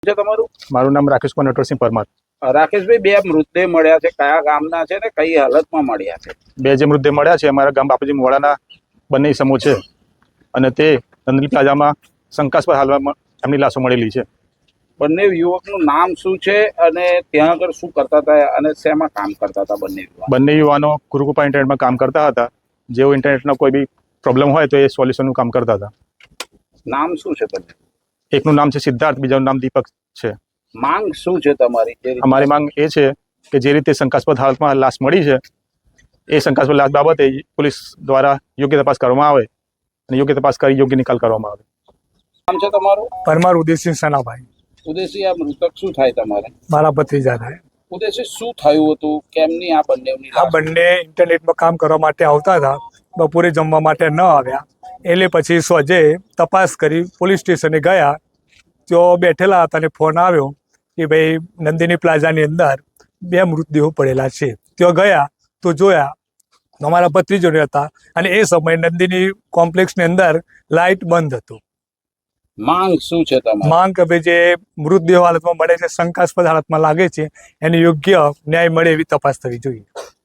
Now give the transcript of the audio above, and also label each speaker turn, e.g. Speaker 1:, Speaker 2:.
Speaker 1: છે તમારું?
Speaker 2: મારું નામ રાકેશ કુમાર નટવરસિંહ પરમાર.
Speaker 1: રાકેશભાઈ, બે મૃતદેહ મળ્યા છે, કયા ગામના છે ને કઈ હાલતમાં મળ્યા છે?
Speaker 2: બે જે મૃતદેહ મળ્યા છે અમારા ગામ બાપુજી મોડાના બંને ઇસમો છે અને તે નંદલી પ્લાઝામાં શંકાસ્પદ હાલમાં એમની લાશો મળેલી છે.
Speaker 1: બંને યુવકનું નામ શું છે અને ત્યાં આગળ શું કરતા હતા અને શેમાં કામ કરતા હતા બંને યુવક?
Speaker 2: બંને યુવાનો ગુરુકૃપા ઇન્ટરનેટમાં કામ કરતા હતા. જેઓ ઇન્ટરનેટનો કોઈ બી પ્રોબ્લેમ હોય તો એ સોલ્યુશનનું કામ કરતા હતા.
Speaker 1: નામ શું છે બંને?
Speaker 2: એકનું નામ છે સિદ્ધાર્થ, બીજાનું નામ દીપક છે.
Speaker 1: માંગ શું છે તમારી?
Speaker 2: અમારી માંગ એ છે કે જે રીતે શંકાસ્પદ હાલતમાં લાશ મળી છે એ શંકાસ્પદ લાશ બાબતે પોલીસ દ્વારા યોગ્ય તપાસ કરવામાં આવે અને યોગ્ય તપાસ કરી યોગ્ય નિકાલ કરવામાં આવે.
Speaker 1: નામ છે તમારું?
Speaker 3: પરમાર ઉદયસિંહ સનાભાઈ.
Speaker 1: ઉદેશી, આ મૃતક શું થાય તમારે?
Speaker 3: મારા ભત્રીજા થાય.
Speaker 1: ઉદેશી, શું થયું હતું? કેમની આ બંનેની
Speaker 3: આ
Speaker 1: લાશ?
Speaker 3: બંને ઇન્ટરનેટમાં કામ કરવા માટે આવતા હતા, બપોરે જમવા માટે ન આવ્યા. એટલે પછી સોજે તપાસ કરી પોલીસ સ્ટેશને ગયા. તેઓ બેઠેલા હતા અને ફોન આવ્યો કે ભાઈ નંદિની પ્લાઝાની અંદર બે મૃતદેહો પડેલા છે. તેઓ ગયા તો જોયા અમારા ભત્રીજોને હતા અને એ સમયે નંદિની કોમ્પ્લેક્સની અંદર લાઇટ બંધ હતું.
Speaker 1: માંગ શું છે તમારી?
Speaker 3: માંગ કે ભાઈ જે મૃતદેહ હાલતમાં મળે છે, શંકાસ્પદ હાલતમાં લાગે છે, એને યોગ્ય ન્યાય મળે એવી તપાસ થવી જોઈએ.